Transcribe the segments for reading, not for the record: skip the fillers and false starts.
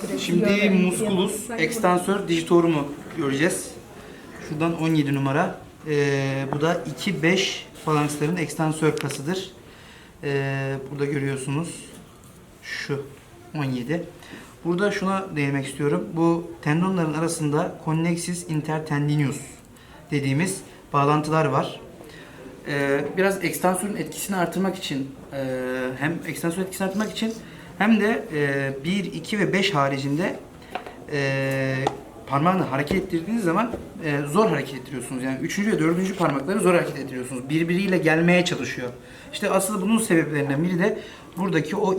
Şimdi musculus extensor digitorumu göreceğiz. Şuradan 17 numara. Bu da 2-5 falanksların ekstansör kasıdır. Burada görüyorsunuz. Şu 17. Burada şuna değinmek istiyorum. Bu tendonların arasında connexus intertendinous dediğimiz bağlantılar var. Biraz ekstansörün etkisini artırmak için hem ekstansör etkisini artırmak için hem de 1, 2 ve 5 haricinde parmağını hareket ettirdiğiniz zaman zor hareket ettiriyorsunuz. Yani 3. ve 4. parmakları zor hareket ettiriyorsunuz. Birbiriyle gelmeye çalışıyor. İşte asıl bunun sebeplerinden biri de buradaki o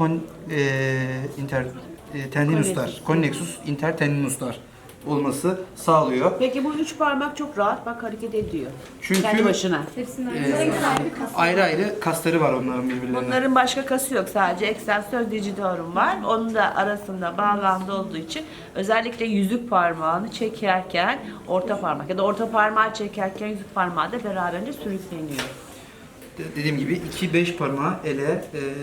tendinuslar, connexus intertendinuslar olması sağlıyor. Peki bu 3 parmak çok rahat bak hareket ediyor. Çünkü kendi başına. ayrı ayrı kasları var onların birbirlerine. Bunların başka kası yok. Sadece ekstensör digitorum var. Onun da arasında bağlantı olduğu için özellikle yüzük parmağını çekerken orta parmak ya da orta parmağı çekerken yüzük parmağı da beraberce sürükleniyor. Dediğim gibi 2-5 parmağı ele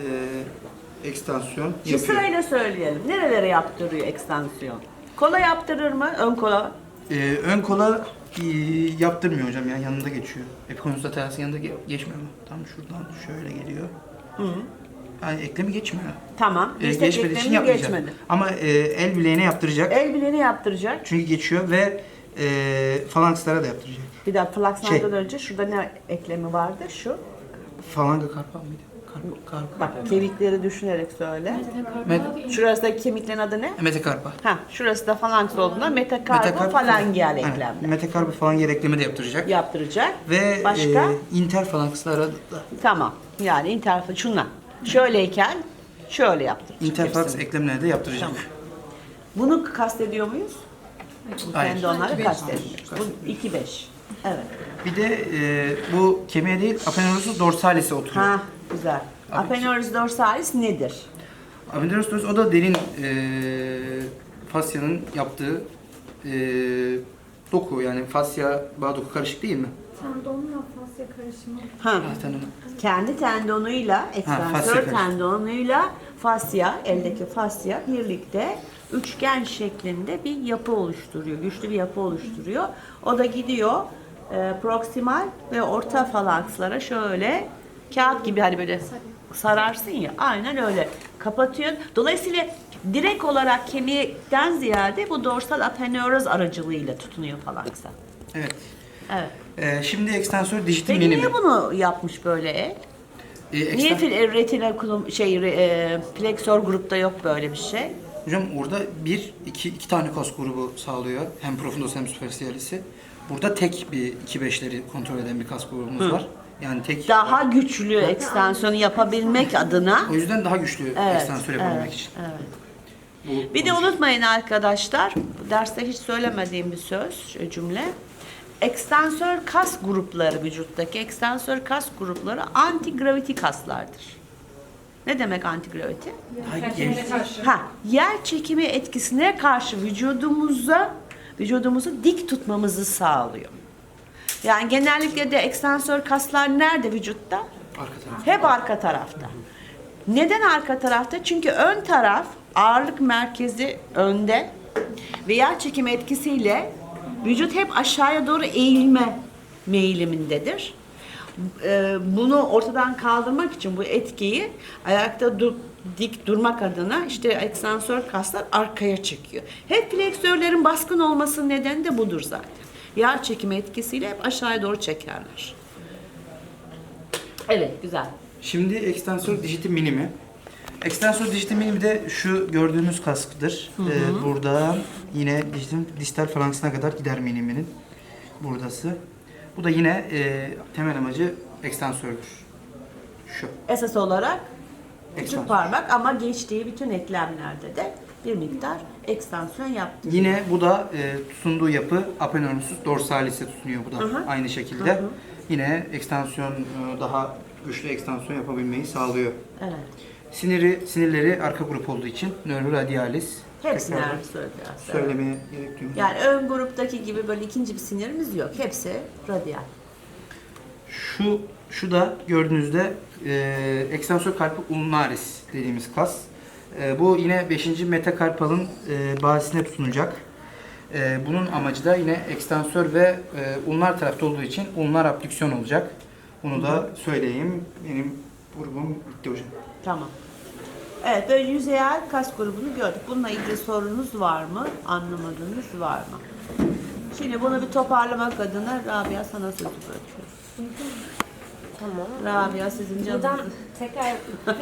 ekstansiyon Şu yapıyor. sırayla söyleyelim. Nerelere yaptırıyor ekstansiyon? Kola yaptırır mı? Ön kola. Ön kola yaptırmıyor hocam ya, yanında geçiyor. Epikonus laterals'in yanında geçmiyor mu? Tam şuradan şöyle geliyor. Yani eklemi geçmiyor. Tamam. Geçmediği için yapmayacak. Geçmedi. Ama el bileğine yaptıracak. El bileğini yaptıracak. Çünkü geçiyor ve falankslara da yaptıracak. Bir daha flakslardan önce şurada ne eklemi vardı? Şu. Falanga karpa mıydı? Karpa. Bak kemikleri düşünerek söyle. Şurası kemiklerin adı ne? Metakarpa. Ha, şurası da falanks olduğunda metakarpofalangeal eklem Metakarpa falangeal eklemi de yaptıracak. yaptıracak. Ve Başka? interfalankslara da Tamam. Yani interfaks şuna. Şöyleyken şöyle yaptıracak. interfaks hepsini. eklemlerine de yaptıracak. Tamam. Bunu kastediyor muyuz? Bu Hayır. tendonları kastediyoruz. Bu 2-5. Evet. Bir de bu kemiğe değil, aponeurosus dorsalis'e oturuyor. Ha, güzel. Aponeurosus dorsalis nedir? Aponeurosus dorsalis'e o da derin fasyanın yaptığı doku, yani fasya bağ doku karışık değil mi? Tendonla fasya karışımı. Ha. Zaten Kendi tendonuyla, ekstansör fasya tendonuyla fasya, eldeki fasya birlikte üçgen şeklinde bir yapı oluşturuyor. Güçlü bir yapı oluşturuyor. O da gidiyor proksimal ve orta falankslara şöyle kağıt gibi hani böyle sararsın ya, aynen öyle kapatıyor. Dolayısıyla direkt olarak kemikten ziyade bu dorsal aponeuroz aracılığıyla tutunuyor falanksa. Evet. Evet. Şimdi ekstansör dijital Peki minimi. niye bunu yapmış böyle el? Niye retina fleksör grupta yok böyle bir şey? Hocam orada iki tane kas grubu sağlıyor. Hem profundus hem superficialis'i. Burada tek bir 2-5'leri kontrol eden bir kas grubumuz var. Yani tek. Daha güçlü ekstansiyonu yapabilmek adına. O yüzden daha güçlü Evet, ekstansör yapabilmek için. evet. Bir de unutmayın arkadaşlar, derste hiç söylemediğim bir söz, cümle. Ekstansör kas grupları, vücuttaki ekstansör kas grupları anti-gravity kaslardır. Ne demek anti-gravity? Yer çekimi etkisine karşı vücudumuzu dik tutmamızı sağlıyor. Yani genellikle de ekstansör kaslar nerede vücutta? Arka taraf. Hep arka tarafta. Neden arka tarafta? Çünkü ön taraf ağırlık merkezi önde ve yer çekimi etkisiyle vücut hep aşağıya doğru eğilme meyilimindedir. Bunu ortadan kaldırmak için bu etkiyi ayakta dik durmak adına işte ekstansör kaslar arkaya çekiyor. Hep fleksörlerin baskın olmasının nedeni de budur zaten. Yer çekimi etkisiyle hep aşağıya doğru çekerler. Evet, güzel. Şimdi ekstansör dijital minimi. Ekstansör dijital minimi de şu gördüğünüz kaskıdır. Burada yine distal falanksına kadar gider miniminin. Buradası. Bu da yine temel amacı ekstansördür. Şu. Esas olarak küçük Ekstansör. parmak ama geçtiği bütün eklemlerde de bir miktar ekstansiyon yaptı. Yine bu da tutunduğu yapı aponeurosus dorsalis'e tutunuyor bu da aynı şekilde. Yine ekstansiyon daha güçlü ekstansiyon yapabilmeyi sağlıyor. Evet. Sinirleri arka grup olduğu için neuroradialis. Hepsini Tekrar söyleyeceğiz. söylemeye gerek duymuyorum. Yani ön gruptaki gibi böyle ikinci bir sinirimiz yok. Hepsi radyal. Şu da gördüğünüzde ekstansor carpi ulnaris dediğimiz kas. Bu yine 5. metakarpalın bazisine tutunacak. Bunun amacı da yine ekstansör ve ulnar tarafta olduğu için ulnar abdüksiyon olacak. Bunu da söyleyeyim. Benim grubum bitti hocam. Tamam. Evet, böyle yüzeyel kas grubunu gördük. Bununla ilgili sorunuz var mı? Anlamadığınız var mı? Şimdi bunu bir toparlamak adına Rabia sana sözü bırakıyoruz. Tamam. Rabia sizin Buradan canınızı. tekrar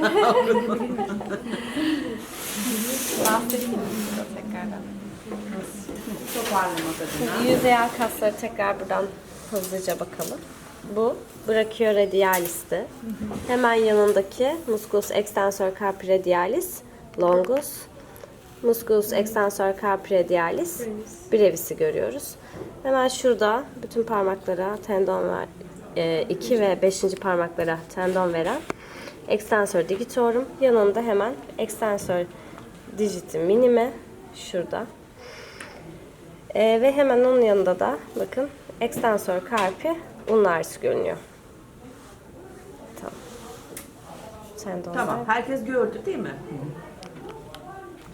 bahsedeyim mi size tekrardan? Toparlamak adına. Yüzeyel kasları tekrar buradan hızlıca bakalım. Bu brachioradialis'ti. Hemen yanındaki musculus extensor carpi radialis longus, musculus extensor carpi radialis brevis'i görüyoruz. Hemen şurada bütün parmaklara tendon var. 2 ve 5. parmaklara tendon veren extensor digitorum. Yanında hemen extensor digiti minime şurada. Ve hemen onun yanında da bakın extensor carpi ulnaris görünüyor. Tamam. Tendonlar. Tamam, herkes gördü değil mi?